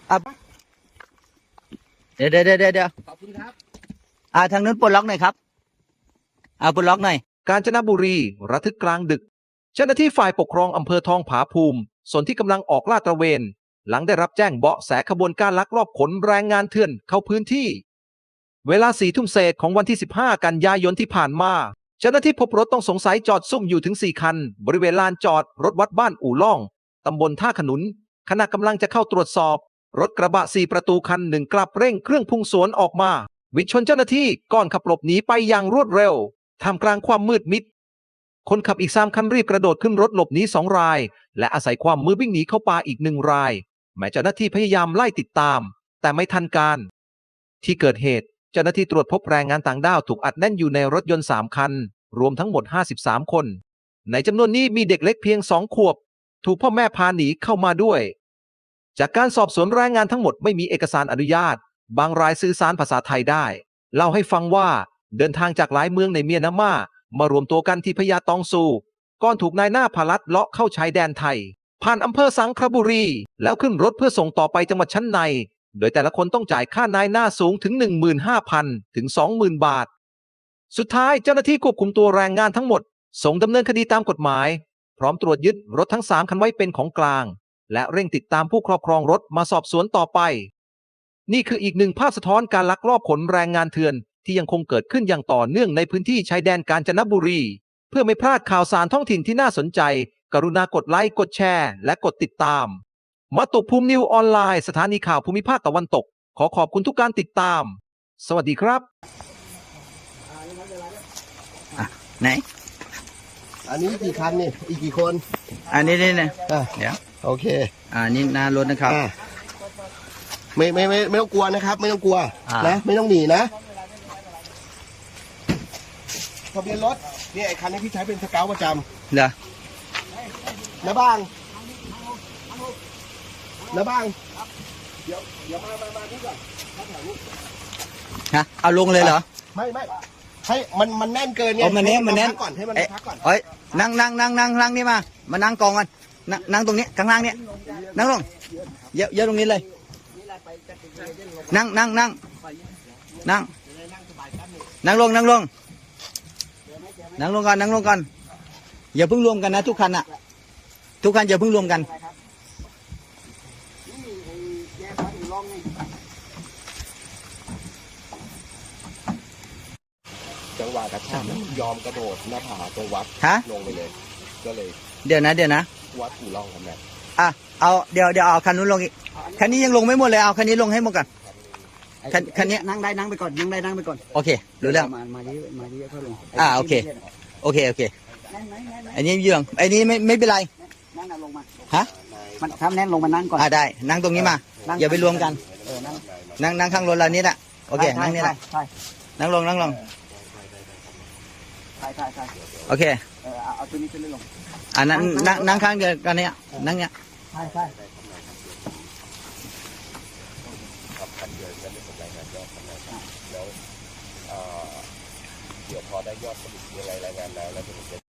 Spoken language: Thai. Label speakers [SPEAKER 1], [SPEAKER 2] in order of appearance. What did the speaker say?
[SPEAKER 1] อ่ะเดี๋ยว
[SPEAKER 2] ขอบคุณครับ
[SPEAKER 1] ทางนู้นปลดล็อกหน่อยครับปลดล็อกหน่อย
[SPEAKER 3] กาญจนบุรีระทึกกลางดึกเจ้าหน้าที่ฝ่ายปกครองอำเภอทองผาภูมิส่วนที่กำลังออกลาดตระเวนหลังได้รับแจ้งเบาะแสขบวนการลักลอบขนแรงงานเถื่อนเข้าพื้นที่เวลา4 ทุ่มเศษของวันที่15 กันยายนที่ผ่านมาเจ้าหน้าที่พบรถต้องสงสัยจอดซุ่มอยู่ถึง4 คันบริเวณลานจอดรถวัดบ้านอู่ล่องตำบลท่าขนุนขณะกำลังจะเข้าตรวจสอบรถกระบะ4 ประตูคันหนึ่งกลับเร่งเครื่องพุ่งสวนออกมาวิดชนเจ้าหน้าที่ก่อนขับหลบหนีไปอย่างรวดเร็วท่ามกลางความมืดมิดคนขับอีก3 คันรีบกระโดดขึ้นรถหลบหนี2 รายและอาศัยความมืดวิ่งหนีเข้าป่าอีก1 รายแม้เจ้าหน้าที่พยายามไล่ติดตามแต่ไม่ทันการที่เกิดเหตุเจ้าหน้าที่ตรวจพบแรงงานต่างด้าวถูกอัดแน่นอยู่ในรถยนต์3 คันรวมทั้งหมด53 คนในจำนวนนี้มีเด็กเล็กเพียง2 ขวบถูกพ่อแม่พาหนีเข้ามาด้วยจากการสอบสวนแรงงานทั้งหมดไม่มีเอกสารอนุญาตบางรายสื่อสารภาษาไทยได้เล่าให้ฟังว่าเดินทางจากหลายเมืองในเมียนมามารวมตัวกันที่พญาตองซูก่อนถูกนายหน้าพาลัดเลาะเข้าชายแดนไทยผ่านอำเภอสังขบุรีแล้วขึ้นรถเพื่อส่งต่อไปจังหวัดชั้นในโดยแต่ละคนต้องจ่ายค่านายหน้าสูงถึง 15,000 ถึง 20,000 บาทสุดท้ายเจ้าหน้าที่ควบคุมตัวแรงงานทั้งหมดส่งดำเนินคดีตามกฎหมายพร้อมตรวจยึดรถทั้ง3 คันไว้เป็นของกลางและเร่งติดตามผู้ครอบครองรถมาสอบสวนต่อไปนี่คืออีกหนึ่งภาพสะท้อนการลักลอบขนแรงงานเถื่อนที่ยังคงเกิดขึ้นอย่างต่อเนื่องในพื้นที่ชายแดนกาญจนบุรีเพื่อไม่พลาดข่าวสารท้องถิ่นที่น่าสนใจกรุณากดไลค์กดแชร์และกดติดตามมาตุภูมินิวออนไลน์สถานีข่าวภูมิภาคตะวันตกขอขอบคุณทุกการติดตามสวัสดีครับ
[SPEAKER 1] ไหน
[SPEAKER 2] อันนี้กี่คันนี่อีกกี่คน
[SPEAKER 1] อันนี้เนี่ยเดี๋ยว
[SPEAKER 2] โอเค
[SPEAKER 1] นี่หน้ารถนะครับ
[SPEAKER 2] ไม่ต้องกลัวนะครับไม่ต้องกลัวนะไม่ต้องหนีนะทะเบียนรถนี่ไอ้คันนี้พี่ใช้เป็นสเกลประจำ
[SPEAKER 1] เหรอ
[SPEAKER 2] นะบ้างนะบ้างเดี๋ยวมาที่ก่อน
[SPEAKER 1] เอาลงเลยเหรอ
[SPEAKER 2] ไม่ให้มันแน่นเกินไง
[SPEAKER 1] มันแน่น
[SPEAKER 2] ก่อนให้มันพักก่อน
[SPEAKER 1] นั่งนี่มานั่งกองกันนั่งตรงนี้ข้างล่างเนี่ยนั่งลงเยอะตรงนี้เลยนั่งลงก่อนอย่าเพิ่งรวมกันนะทุกคันอย่าเพิ่งรวมกัน
[SPEAKER 2] จังหวะกระชากยอมกระโดดหน้าผาตรงวัดลงไปเลยก็เลย
[SPEAKER 1] เดี๋ยวนะ
[SPEAKER 2] วัดอู่ล่องครับแม่
[SPEAKER 1] เอาเดี๋ยวเอาคันนู้นลงอีกคันนี้ยังลงไม่หมดเลยเอาคันนี้ลงให้หมดก่อนคันนี้
[SPEAKER 4] นั่งได้นั่งไปก่อน
[SPEAKER 1] โอเครู้เรื่อง
[SPEAKER 4] มาดีเพื่อลง
[SPEAKER 1] โอเคอันนี้เยื่องอันนี้ไม่เป็นไร
[SPEAKER 4] นั่งลงมา
[SPEAKER 1] ฮะ
[SPEAKER 4] มันทำแน่นลงมานั่งก่อน
[SPEAKER 1] ได้นั่งตรงนี้มาอย่าไปรวมกันนั่งข้างรถเรานี่แหละโอเคนั่งนี่แหละนั่งลง
[SPEAKER 4] ใช่
[SPEAKER 1] โอเค
[SPEAKER 4] เอาตัวนี้ขึ้นลง
[SPEAKER 1] นั่งข้างเดียวกันเนี่ยนั่งเนี่ย
[SPEAKER 4] ใช่
[SPEAKER 2] คันเดียวจะไม่เป็นรายงานยอดแล้วเดี๋ยวพอได้ยอดสรุปรายงานแล้วจะ